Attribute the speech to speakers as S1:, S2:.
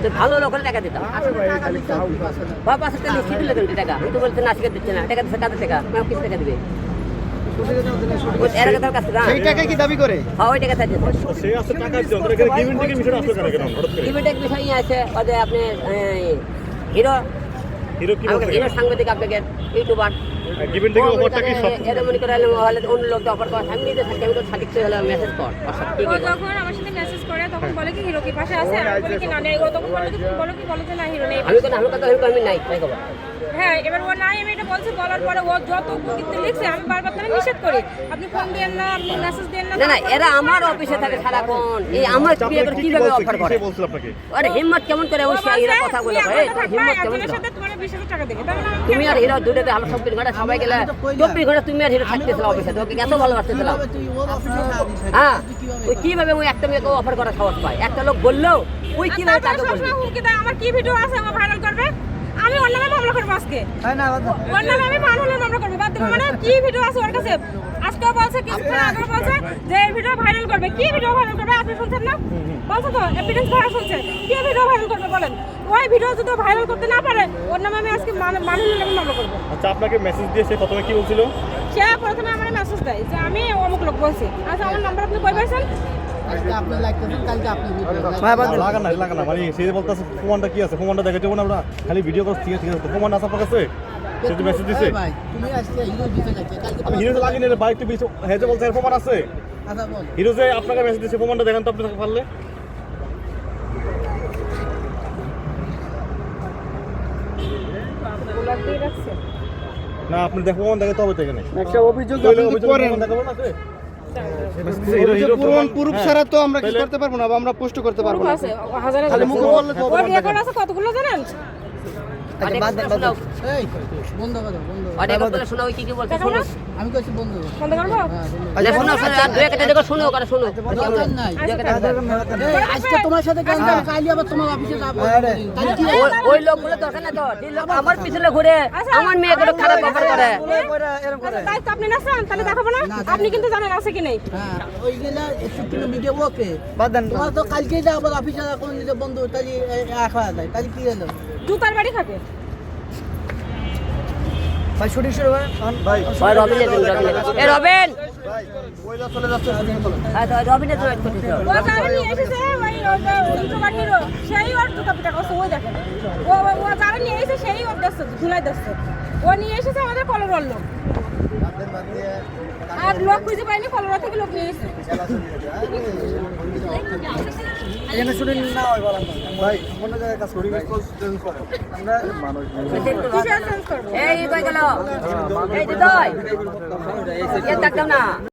S1: তো ভালো লোক হলে টাকা দিতাম। বাবা সাথে লিখে দিলে কেন টাকা? আমি তো বলতে না আজকে দিচ্ছে না, টাকা দিচ্ছে কাদের টাকা? আমি কিছু টাকা দিবে
S2: সেই টাকা কি দাবি করে?
S1: হ্যাঁ ওই টাকা চাইছে।
S3: সে আছে টাকা দিচ্ছে, ওদের এখানে গিভিং টেকের বিষয়টা আসলে কেন হঠাৎ করে?
S1: গিভিং টেক বিষয় আছে ওই যে আপনি হিরো
S3: হিরো কি বলছে?
S1: হিরো সাংবাদিক আপনাকে ইউটিউবার
S3: গিভিং টেকের অফারটা কি সব
S1: এর মনে করে হলে অন্য লোককে অফার করা আমি নিজে থাকি, আমি তো সাদিক হলে মেসেজ কর
S4: ও যখন আমার সাথে মেসেজ করে তখন বলে কি হিরো কি পাশে আছে, আমি বলি কি না নেই, ও তখন বলে কি বলো যে না হিরো নেই।
S1: আমি কোনো কথা আমি নাই তাই খবর।
S4: হ্যাঁ এবার ও নাই, আমি এটা বলছি, বলার পরে ও যত কিন্তু লিখছে আমি বারবার তারা নিষেধ করি, আপনি ফোন দেন না, আপনি মেসেজ দেন না।
S1: না না এরা আমার অফিসে থাকে সারাক্ষণ, এই আমার কিভাবে অফার করে?
S3: সে বলছিল আপনাকে
S1: আরে হিম্মত কেমন করে ওই এরা কথা বলে ভাই, হিম্মত কেমন করে?
S4: সাথে তোমার 20,000 টাকা দেবে, তাহলে আমি
S1: তুমি আর হিরো দুটোতে আলো 24 ঘন্টা সবাই গেলে 24 ঘন্টা তুমি আর হিরো থাকতেছিল অফিসে, তোকে এত ভালোবাসতেছিলাম। হ্যাঁ ওই কিভাবে ওই একটা মেয়েকে অফার করা সাহস পায়? একটা লোক বললেও ওই কিভাবে তাকে বলবে?
S4: হুমকি দেয় আমার কি ভিডিও আছে ও ভাইরাল করবে, আমি ওর নামে মামলা করবো আজকে। ওর নামে আমি মানহানির মামলা করবো, বাদ দেবো। মানে কি ভিডিও আছে ওর কাছে? আজকেও বলছে, কিছুক্ষণ আগেও বলছে যে এই ভিডিও ভাইরাল করবে। কি ভিডিও ভাইরাল করবে? আপনি শুনছেন না? বলছে তো এভিডেন্স ধরা শুনছে। কি ভিডিও ভাইরাল করবে বলেন? ওই ভিডিও যদি ভাইরাল করতে না পারে ওর নামে আমি আজকে মানহানির নামে মামলা করবো।
S3: আচ্ছা আপনাকে মেসেজ দিয়ে সে প্রথমে কি বলছিল?
S4: সে প্রথমে আমার মেসেজ দেয় যে আমি অমুক লোক বলছি। আচ্ছা আমার নাম্বার আপনি কই পাইছেন?
S3: লাগা না মানে সে বলতেছে ফোনটা কি আছে, ফোনটা দেখাতে না আমরা খালি ভিডিও করছি, ঠিক আছে তো ফোন আছে আপনার কাছে? সে তো মেসেজ দিছে আমি হিরো লাগি না বাইক তো বিছে হেজে বলছে ফোন আছে। হিরো যে আপনাকে মেসেজ দিছে ফোনটা দেখেন তো আপনি পারলে।
S4: ব্লক দিয়ে রাখছে।
S3: না আপনি দেখো ফোন দেখে তবে দেখেন
S2: একটা অভিযোগ করেন,
S3: দেখাবো না আছে
S2: প্রুফ ছাড়া তো আমরা কিছু করতে পারবো না, বা আমরা পোস্ট করতে পারবো না।
S4: আছে হাজারে
S2: খালি মুখে বললে তো
S4: ওর রেকর্ড আছে কতগুলো জানেন?
S1: অনেক কথা শোনা ওই কি কি বলছে শোনো।
S2: আমি কইছি বন্ধু
S4: বন্ধ করবো?
S1: আচ্ছা শোনো আর দুই একটা দেখো শোনো করে শোনো।
S2: আজকে তোমার সাথে গান কালি আবার তোমার অফিসে যাব।
S1: ওই লোকগুলো দরকার না তো, যে লোক আমার পিছনে ঘুরে আমার মেয়েকে খারাপ ব্যাপার করে।
S4: তাই তো আপনি নাচান, তাহলে দেখাবো না? আপনি কিন্তু জানেন আছে কি নেই।
S2: হ্যাঁ ওইগুলা একটু ভিডিও ওকে বাদান তোমার তো কালকে যাব অফিসে কোন দিতে বন্ধু তাই রাখা যায়, তাই কি হলো?
S4: জুতার বাড়ি খাবে।
S2: ভাই শুটিং শুরু হয় ভাই।
S1: ভাই রবিন এ রবিন
S2: ভাই ওইলা চলে যাচ্ছে শুটিং করো।
S1: হ্যাঁ তো রবিনের জন্য করতেছ।
S4: ও যারা নিয়ে এসেছে ওই জুতার হিরো সেই ওর জুতা পিটা করছে, ওই দেখেন ও যারা নিয়ে এসেছে সেই ওর দেখছে ধুলাই দেখছে। ও নিয়ে এসেছে আমাদের কলরল লোক, আর লোক খুঁজে পাইনি, কলরা থেকে লোক নিয়ে এসেছে।
S2: এখানে শুটিং না হয় বলেন ভাই অন্য জায়গায় কাজ করি চেঞ্জ করে আমরা মানুষ
S4: কিসের চেঞ্জ করবো?
S1: এই কই গেল এই দিদয় এ দেখতাম না।